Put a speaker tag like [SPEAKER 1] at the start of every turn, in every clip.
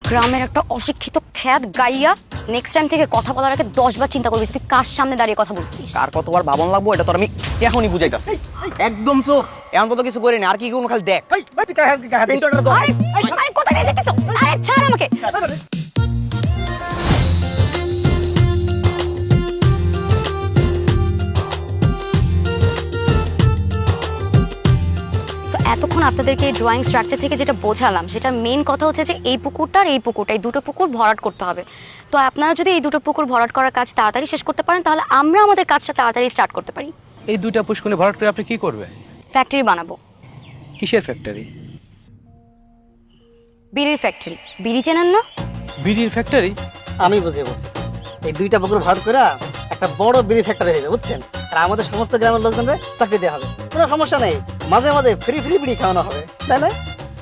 [SPEAKER 1] গ্রামের একটা অশিক্ষিত খ্যাত গাইয়া নেক্সট টাইম থেকে কথা বলার আগে 10 বার চিন্তা করবি তুই কার সামনে দাঁড়িয়ে কথা বলছিস।
[SPEAKER 2] কার কতবার ভাবন লাগবো এটা তোর আমি এখনই বুঝাইতাছি। একদম চোখ এমন তো কিছু করিনি, আর কি কোনো খালি দেখ।
[SPEAKER 1] আরে কোথায় নিয়ে যেতেছ? আরে ছাড় আমাকে। এতক্ষণ আপনাদেরকে এই ড্রয়িং স্ট্রাকচার থেকে যেটা বোঝালাম সেটার মেইন কথা হচ্ছে যে এই পুকুরটা আর এই পুকুরটা, এই দুটো পুকুর ভরাট করতে হবে। তো আপনারা যদি এই দুটো পুকুর ভরাট করার কাজ তাড়াতাড়ি শেষ করতে পারেন তাহলে আমরা আমাদের কাজটা তাড়াতাড়ি স্টার্ট করতে পারি।
[SPEAKER 3] এই দুইটা পুষ্করণী ভরাট করে আপনি কি করবেন?
[SPEAKER 1] ফ্যাক্টরি বানাবো।
[SPEAKER 3] কিসের ফ্যাক্টরি?
[SPEAKER 1] বিড়ির ফ্যাক্টরি। বিড়ি চেনেন না?
[SPEAKER 3] বিড়ির ফ্যাক্টরি?
[SPEAKER 4] আমি বুঝে বলছি, এই দুইটা পুকুর ভরাট করে একটা বড় বিড়ি ফ্যাক্টরি হয়ে যাবে, বুঝছেন? আর আমাদের সমস্ত গ্রামের লোকজনদের চাকরি দেওয়া হবে, কোনো সমস্যা নেই। মাঝে মাঝে ফ্রি ফ্রি বিড়ি খাওয়ানো হবে, তাই না?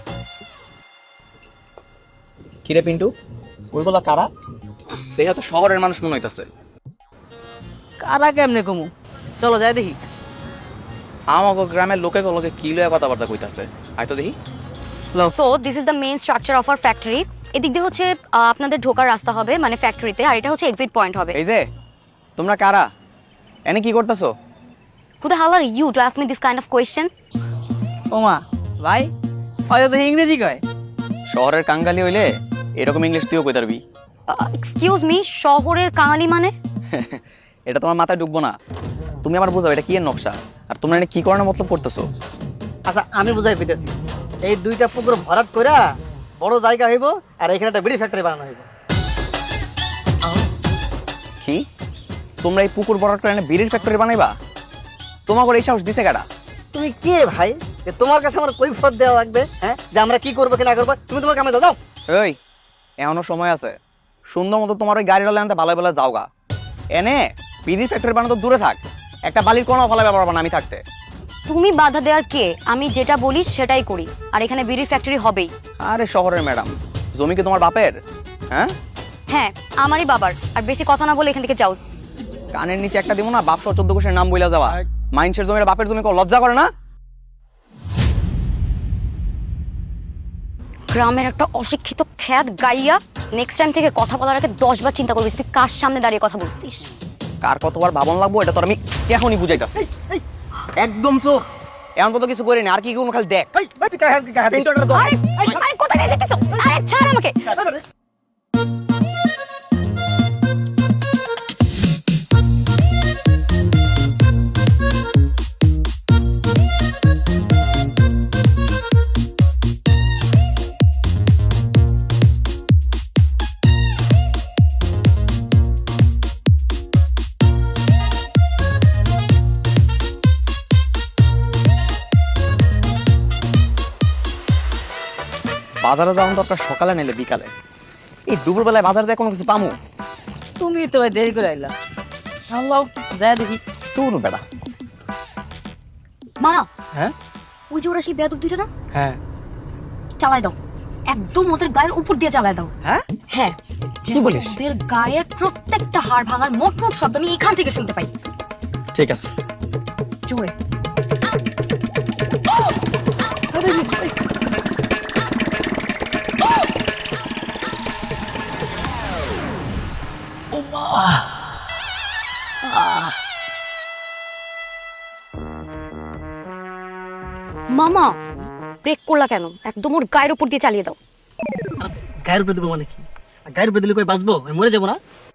[SPEAKER 2] কিরে পিন্টু, ওইগুলা কারা? দেখা তো শহরের মানুষ মনে হইতাছে।
[SPEAKER 4] কারা কেমনে কমু, চলো যাই দেখি।
[SPEAKER 2] আমাকে গ্রামের লোকে লোকে কি লয়ে কথাবার্তা কইতাছে, আয় তো দেখি।
[SPEAKER 1] So this is the main structure of our factory. এদিক দিয়ে হচ্ছে আপনাদের ঢোকার রাস্তা হবে মানে ফ্যাক্টরিতে, আর এটা হচ্ছে এক্সিট পয়েন্ট হবে।
[SPEAKER 2] এই যে তোমরা কারা, এনে কি করতেছো?
[SPEAKER 1] Who the hell are you to ask me this kind of question?
[SPEAKER 4] ওমা ভাই, হয়তো তো ইংরেজি কয়।
[SPEAKER 2] শহরের কাঙ্গালি হইলে এরকম ইংলিশ তুইও কই পারবি।
[SPEAKER 1] এক্সকিউজ মি, শহরের কাঙালি মানে?
[SPEAKER 2] এটা তোমার মাথায় ঢুকবো না, তুমি আমার বুঝাও এটা কি এর নকশা, আর তোমরা এনে কি করানোর মতলব করতেছো?
[SPEAKER 4] আচ্ছা আমি বুঝাই পেতেছি, এই দুইটা পুকুর ভরাট করে বড় জায়গা হইব, আর এখানে একটা বিড়ি ফ্যাক্টরি বানানো হইব।
[SPEAKER 2] কি তোমরা এই পুকুর ভরাট করে এনে বিড়ির ফ্যাক্টরি বানাইবা? তোমাকে এই সাহস দিছে কারা?
[SPEAKER 4] তুমি কে ভাই যে তোমার কাছে আমার কৈফিয়ত দেওয়া লাগবে? হ্যাঁ, যে আমরা কি করবো কি না করবো, তুমি তোমার কামে দাও।
[SPEAKER 2] এই এখনো সময় আছে, সুন্দর মতো তোমার ওই গাড়িটা আনতে ভালো ভালো যাওগা। এনে বিড়ির ফ্যাক্টরি বানানো তো দূরে থাক, একটা বালির কোনো ফলাবে পারবো না আমি থাকতে।
[SPEAKER 1] তুমি বাধা দেওয়ার কে? আমি যেটা বলি সেটাই করি, আর এখানে বিড়ির ফ্যাক্টরি হবেই।
[SPEAKER 2] আরে শহরের ম্যাডাম, জমি কি তোমার বাপের? হ্যাঁ
[SPEAKER 1] হ্যাঁ, আমারই বাবার। আর বেশি কথা না বলে এখান থেকে যাও।
[SPEAKER 2] কানের নিচে একটা দিব না, বাপ সহ 14 কোষের নাম বইলা যাওয়া। মাইন্সের জমির বাপের জমি কেউ লজ্জা করে না?
[SPEAKER 1] গ্রামের একটা অশিক্ষিত খ্যাত গাইয়া নেক্সট টাইম থেকে কথা বলার আগে 10 বার চিন্তা করবি তুই কার সামনে দাঁড়িয়ে কথা বলছিস।
[SPEAKER 2] কার কতবার ভাবন লাগবো এটা তোর আমি এখনই বুঝাইতাছি। একদম চোখ এমন তো কিছু করিনি, আর কি কোনো খালি দেখ।
[SPEAKER 1] আরে কোথায় নিয়ে যেতেছ? আরে ছাড় আমাকে।
[SPEAKER 2] বাজারে যাওয়ার দরকার সকালে নাইলে বিকালে, এই দুপুরবেলায় বাজার দিয়ে কোনো কিছু পামু?
[SPEAKER 4] তুমি তো ভাই দেরি করে আইলা, আল্লাহ যাই দেখি।
[SPEAKER 2] তোর বেড়া।
[SPEAKER 1] মা,
[SPEAKER 4] হ্যাঁ
[SPEAKER 1] ওই যে ওরা সেই বেয়াদব দুইটা না,
[SPEAKER 4] হ্যাঁ
[SPEAKER 1] চালাই দাও, একদম ওদের গায়ের উপর দিয়ে চালাই দাও।
[SPEAKER 4] হ্যাঁ
[SPEAKER 1] হ্যাঁ,
[SPEAKER 4] কি বলিস?
[SPEAKER 1] ওদের গায়ের প্রত্যেকটা হাড় ভাঙার মোট মোট শব্দ আমি এখান থেকে শুনতে পাই।
[SPEAKER 4] ঠিক আছে।
[SPEAKER 1] জোরে। মামা, ব্রেক করলা কেন? একদম ওর গায়ের উপর দিয়ে চালিয়ে দাও।
[SPEAKER 4] গায়ের উপরে দেবো মানে কি? গায়ের উপরে দিলে কই বাঁচবো? আমি মরে যাবো না?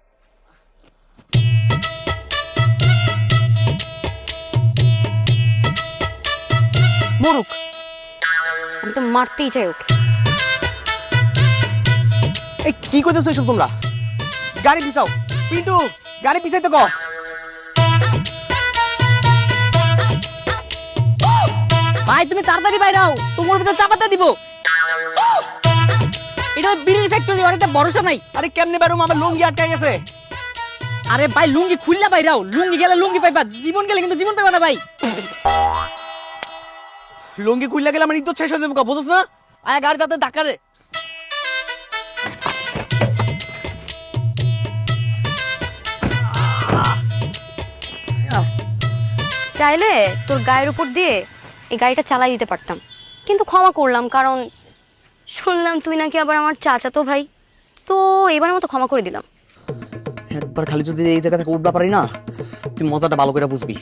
[SPEAKER 1] মরুক, আমি তো মারতেই চাই ওকে।
[SPEAKER 2] এই কি করতেছো এসব তোমরা? গাড়ি পিছাও পিন্টু, গাড়ি পিছাইতে কও।
[SPEAKER 4] ভাই তুমি তাড়াতাড়ি বাইরে আও, তোমার ভিতর চাপাতে দিব। এটা বিড়ির ফ্যাক্টরি, অনেকটা ভরসা নাই।
[SPEAKER 2] আরে কেমনে বেরোম, আমার লুঙ্গি আটকে গেছে।
[SPEAKER 4] আরে ভাই লুঙ্গি খুললা বাইরে আও, লুঙ্গি গেলে লুঙ্গি পাইবা, জীবন গেলে কিন্তু জীবন পাইবা না ভাই।
[SPEAKER 2] লুঙ্গি খুললে গেলে আমার ইজ্জত শেষ হয়ে যাবে, বুঝছ না? আয় গাড়ি তাতে ধাক্কা দে।
[SPEAKER 1] চাইলে তোর গায়ের উপর দিয়ে এই গাড়িটা চালাই দিতে পারতাম, কিন্তু ক্ষমা করলাম কারণ শুনলাম তুই নাকি আবার আমার চাচাতো ভাই। তো এবারের মতো ক্ষমা করে দিলাম।
[SPEAKER 2] একবার খালি যদি এই জায়গা থেকে উঠবা পারি না, তুই মজাটা ভালো করে বুঝবি।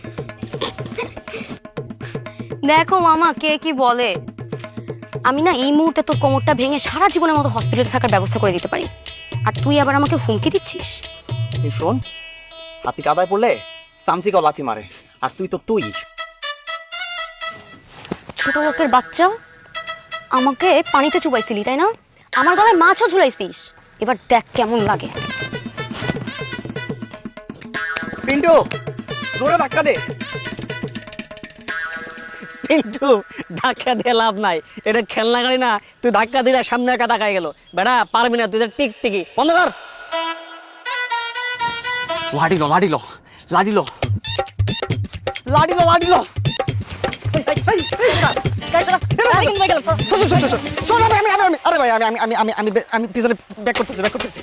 [SPEAKER 1] দেখো মামা কে কি বলে, আমি না এই মুহূর্তে তোর কোমরটা ভেঙে সারা জীবনের মতো হসপিটালে থাকার ব্যবস্থা করে দিতে পারি, আর তুই আবার আমাকে হুমকি দিচ্ছিস।
[SPEAKER 2] এই শোন, হাতি কাদায় পড়লে সামসিকাও লাথি মারে, আর তুই তো তুই।
[SPEAKER 1] ছোট লোকের বাচ্চা, আমাকে পানিতে চুবাইছিলি তাই না? আমার গলায় মাছও ঝুলাইছিস, এবার দেখ কেমন লাগে।
[SPEAKER 2] পিন্টু, জোরে ধাক্কা দে।
[SPEAKER 4] পিন্টু, ধাক্কা দিয়ে লাভ নাই, এটা খেলনা গাড়ি না। তুই ধাক্কা দিলে সামনে একা তাকাই গেল। বেটা পারবি না, তুই তো টিকটিকি বন্ধ কর।
[SPEAKER 2] লাডিলো লাডিলো লাডিলো লাডিলো লাডিলো।
[SPEAKER 4] আরে ভাই, আমি পিছনে ব্যাক করতেছি।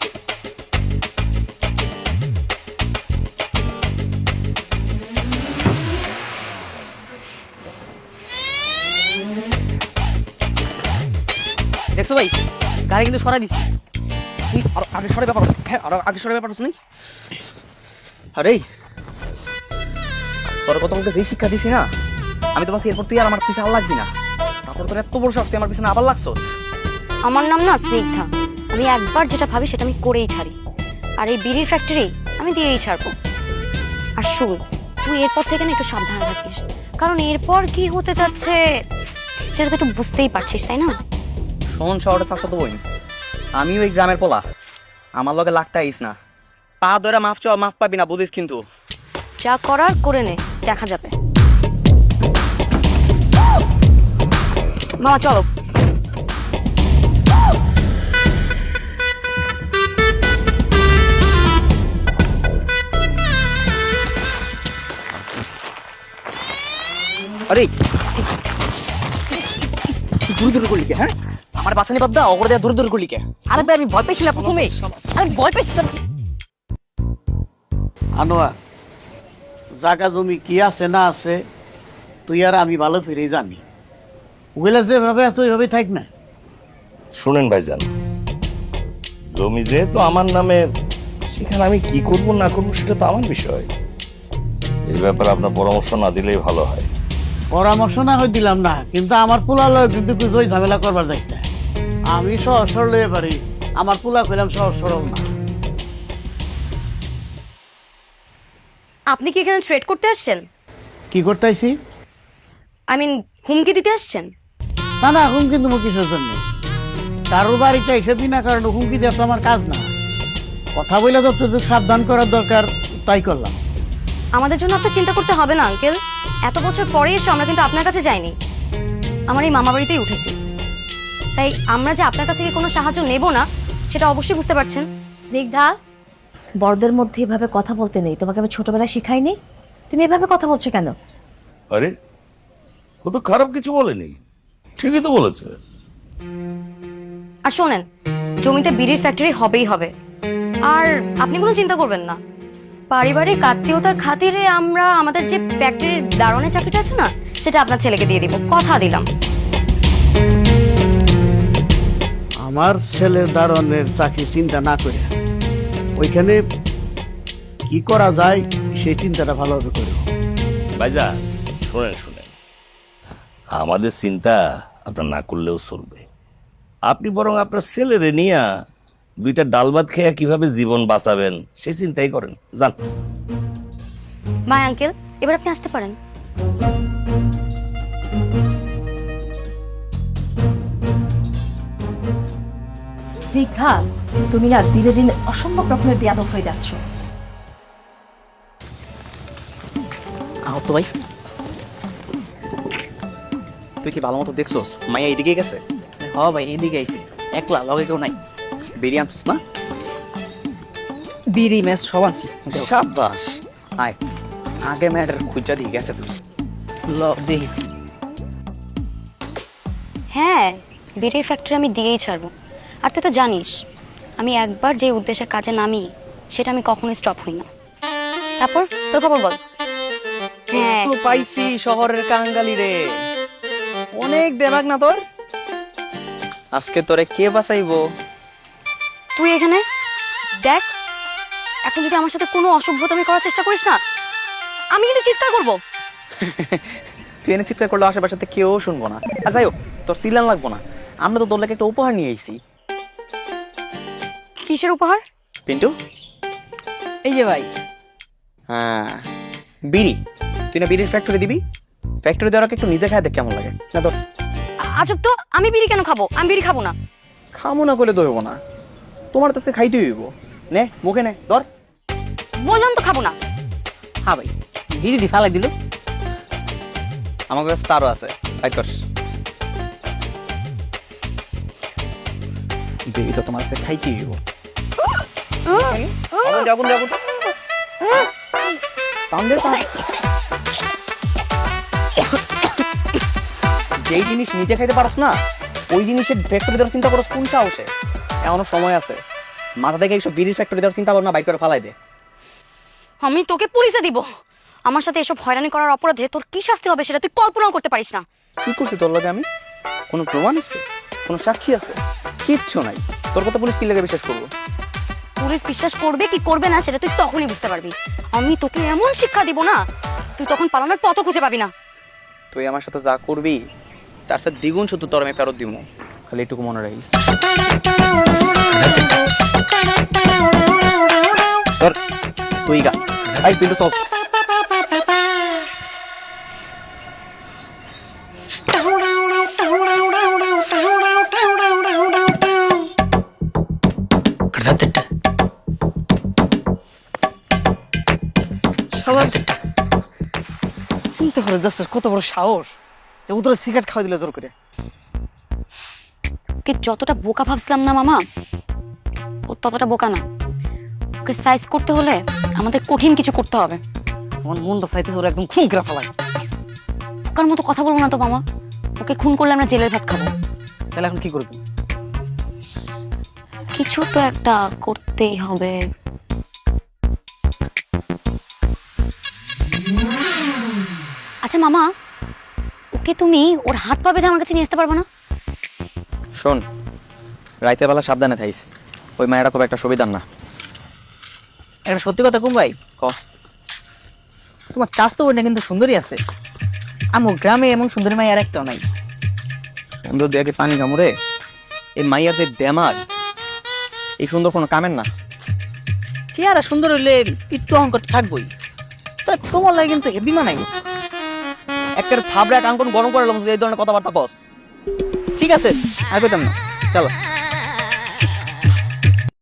[SPEAKER 2] দেখছো ভাই, গাড়ি কিন্তু সরাই দিছি। তুই আরো আগে সরে ব্যাপার, হ্যাঁ আরো আগে সরে ব্যাপার শুনি। আরে তোর কত আমাকে যে শিক্ষা দিছি না, আমি তো ভাবছি এরপর তুই আর আমার পিছনে লাগবি না। তারপর তোর এত বড় সাহস, তুই আমার পিছনে আবার লাগছস।
[SPEAKER 1] আমার নাম না স্নিগ্ধা, আমি একবার যেটা ভাবি সেটা আমি করেই ছাড়ি, আর এই বিড়ির ফ্যাক্টরি আমি দিয়েই ছাড়বো। আর শুন, তুই এরপর থেকে না একটু সাবধানে থাকিস, কারণ এরপর কি হতে যাচ্ছে সেটা তো একটু বুঝতেই পারছিস তাই না?
[SPEAKER 2] শোন শহরে চাষা তো বই, আমিও এই গ্রামের পোলা, আমার লগে লাগতে আইস না। পা ধরে মাফ চাও, মাফ পাবি না, বুঝিস কিন্তু।
[SPEAKER 1] যা করার করে নে, দেখা যাবে। মামা চলো।
[SPEAKER 2] আরে দূর দূর করলি কে? হ্যাঁ, আমার বাসানি বাদ দা, অগর দেয়া দূর দূর করলি কে? আরে ভাই আমি ভয় পেয়েছি না প্রথমে, আরে ভয় পেয়েছি তো।
[SPEAKER 5] আনোয়ার, জায়গা জমি কি আছে না আছে তুই আর আমি ভালো ফিরে জানি। ওগুলা যেভাবে আছে ওইভাবে থাক না।
[SPEAKER 6] শুনেন ভাইজান, জমি যেহেতু আমার নামে, সেখানে আমি কি করব না করব সেটা তো আমার বিষয়। এই ব্যাপারে আপনার পরামর্শ না দিলেই ভালো হয়।
[SPEAKER 5] পরামর্শ না হয় দিলাম না, কিন্তু আমার পোলা লয় কিন্তু কিছু ওই ঝামেলা করবার যাইস না। আমি সহজ সরল হয়ে পারি, আমার পোলা কইলাম সহজ সরল না।
[SPEAKER 1] আপনি কি এখানে ট্রেড করতে আসছেন?
[SPEAKER 5] কি করতে আইছি?
[SPEAKER 1] আই মিন হুমকি দিতে আসছেন?
[SPEAKER 5] না না, হুমকি তুমি কিসের জন্য? কারোর বাড়িতে এসে বিনা কারণে হুমকি দেওয়া তো আমার কাজ না। কথা বলে যতটুকু সাবধান করার দরকার তাই করলাম।
[SPEAKER 1] আমাদের জন্য আপনার চিন্তা করতে হবে না আঙ্কেল, এত বছর পরে এসে আমরা কিন্তু আপনার কাছে যাইনি, আমার এই মামা বাড়িতেই উঠেছি। তাই আমরা যে আপনার কাছ থেকে কোনো সাহায্য নেব না সেটা অবশ্যই বুঝতে পারছেন।
[SPEAKER 7] স্নিগ্ধা, বড়দের মধ্যে এভাবে কথা বলতে নেই। তোমাকে আমি ছোটবেলায় শিখাইনি? তুমি এভাবে কথা বলছো কেন?
[SPEAKER 6] আরে ও তো খারাপ কিছু বলেনি, ঠিকই তো বলেছে।
[SPEAKER 1] আর শোনেন, জমিতে বিড়ির ফ্যাক্টরি হবেই হবে, আর আপনি কোনো চিন্তা করবেন না। পারিবারিক আত্মীয়তার খাতিরে আমরা আমাদের যে ফ্যাক্টরির দারোয়ানের চাকরিটা আছে না, সেটা আপনার ছেলেকে দিয়ে দিব, কথা দিলাম।
[SPEAKER 5] আমার ছেলের দারণের চাকরি চিন্তা না করে ওইখানে কি করা যায় সেই চিন্তাটা ভালোভাবে করো।
[SPEAKER 6] ভাইজান শুনেন, আমাদের চিন্তা আপনার না করলেও চলবে। আপনি বরং আপনার ছেলেরে নিয়ে দুইটা ডাল ভাত খেয়ে কিভাবে জীবন বাঁচাবেন সেই চিন্তাই করেন, যান।
[SPEAKER 1] বাই আঙ্কেল, এবার আপনি আসতে পারেন।
[SPEAKER 7] স্নিগ্ধা, তুমি না দিনে দিনে অসম্ভব রকমের বেয়াদব হয়ে যাচ্ছ।
[SPEAKER 2] আহত ভাই, তুই কি ভালো মতো দেখছোস মাইয়া এইদিকে গেছে?
[SPEAKER 4] হ ভাই, এদিকে আইছি, একলা লগে কেউ নাই।
[SPEAKER 2] বেরিয়ে আনছিস না?
[SPEAKER 4] বিড়ি ম্যাচ সব আনছি।
[SPEAKER 2] সাবাস, আয় আগে ম্যাডার খুঁজা দিয়ে গেছে।
[SPEAKER 4] দেখি
[SPEAKER 1] হ্যাঁ, বিড়ির ফ্যাক্টরি আমি দিয়েই ছাড়বো। আর তুই তো জানিস আমি একবার যে উদ্দেশ্যে কাজে নামি সেটা আমি কখনোই স্টপ হই না। তারপর তোর খবর বল। হ্যাঁ,
[SPEAKER 2] তো পাইছি শহরের কাঙ্গালি রে, অনেক দেমাগ না তোর? আজকে তোরে কে বাঁচাইবো
[SPEAKER 1] তুই এখানে দেখ, এখন যদি আমার সাথে কোনো অসভ্যতামি করার চেষ্টা করিস না, আমি কিন্তু চিৎকার করবো।
[SPEAKER 2] তুই এনে চিৎকার করলে আশেপাশে কেউ শুনবো না। আর যাই হোক, তোর সিলান লাগবো না, আমরা তো তোর লাগে একটা উপহার নিয়ে এসেছি।
[SPEAKER 1] কিসের উপহার?
[SPEAKER 2] পিন্টু,
[SPEAKER 8] এই যে ভাই,
[SPEAKER 2] হ্যাঁ বিড়ি। তুই না বিড়ির ফ্যাক্টরি দিবি? ফ্যাক্টরি দেওয়ার আগে একটু নিজে খায় দেখ কেমন লাগে। না তোর
[SPEAKER 1] আজব তো, আমি বিড়ি কেন খাবো? আমি বিড়ি খাবো না।
[SPEAKER 2] খামো না করলে তো হইব না, তোমার তো আজকে খাইতে হইব। নে মুখে নে, ধর।
[SPEAKER 1] বললাম তো খাবো না।
[SPEAKER 8] হ্যাঁ ভাই, দিদি ফালাই দিল।
[SPEAKER 2] আমার কাছে তারও আছে, ফাইট কর। বিড়ি তো তোমার কাছে খাইতেই হইব। আগুন দে, আগুন দে, আগুন দে। টান দে, টান। যেই জিনিস নিজে খাইতে পারছ না, ওই জিনিসের ফ্যাক্টরি দেওয়ার চিন্তা করছ কোন সাহসে? এখনো সময় আছে, মাথা থেকে এইসব বিড়ির ফ্যাক্টরি দেওয়ার চিন্তা করো না, বাইক করে ফালাই দে।
[SPEAKER 1] আমি তোকে পুলিশে দিব। আমার সাথে এসব হয়রানি করার অপরাধে তোর কি শাস্তি হবে সেটা তুই কল্পনাও করতে পারিস না।
[SPEAKER 2] কি করছি তোর লগে আমি? কোনো প্রমাণ আছে? কোনো সাক্ষী আছে? কিচ্ছু নাই। তোর কথা পুলিশ কি লাগে বিশ্বাস করবো?
[SPEAKER 1] পুলিশ বিশ্বাস করবে কি করবে না সেটা তুই তখনই বুঝতে পারবি। আমি তোকে এমন শিক্ষা দিব না, তুই তখন পালানোর পথও খুঁজে পাবি না।
[SPEAKER 2] তুই আমার সাথে যা করবি তার সাথে দ্বিগুণ শুধু তোর আমি ফেরত দিব, খালি এটুকু মনে রাখিস। তোর তুই গা, এই পিন্টু চল।
[SPEAKER 4] শালার চিন্তা করে দোস্ত, কত বড় সাহস যে উদরে সিগারেট খাওয়া দিল জোর করে।
[SPEAKER 1] ওকে যতটা বোকা ভাবছিলাম না মামা, ও ততটা বোকা না। ওকে সাইজ করতে হলে আমাদের কঠিন কিছু করতে হবে।
[SPEAKER 4] আমার মনটা চাইতেছে ওরা একদম খুন করে ফেলায়।
[SPEAKER 1] বোকার মতো কথা বলবো না তো মামা, ওকে খুন করলে আমরা জেলের ভাত খাবো।
[SPEAKER 4] তাহলে এখন কি করবি?
[SPEAKER 1] কিছু তো একটা করতেই হবে। আচ্ছা মামা, ওকে তুমি ওর হাত পা বেঁধে আমার কাছে নিয়ে আসতে পারবে না?
[SPEAKER 2] শোন, রাইতের বেলা সাবধানে থাইস, ওই মায়েরা খুব একটা সুবিধার না।
[SPEAKER 8] একটা সত্যি কথা কুম ভাই,
[SPEAKER 2] ক।
[SPEAKER 8] তোমার চাষ তো বোনটা কিন্তু সুন্দরী আছে। আমার গ্রামে এমন সুন্দরী মাই আর একটাও নাই।
[SPEAKER 2] সুন্দর দিয়ে কি পানি কামড়ে? এই মাইয়ার যে দেমাগ, এই সুন্দর কোনো কামের না।
[SPEAKER 8] চেহারা সুন্দর হইলে একটু অহংকার থাকবোই, তা তোমার লাগে কিন্তু হেভি মানাই।
[SPEAKER 2] একটা থাবড়া কান কোন গরম করে এই ধরনের কথাবার্তা কস।
[SPEAKER 8] ঠিক আছে, আর পেতাম না, চলো।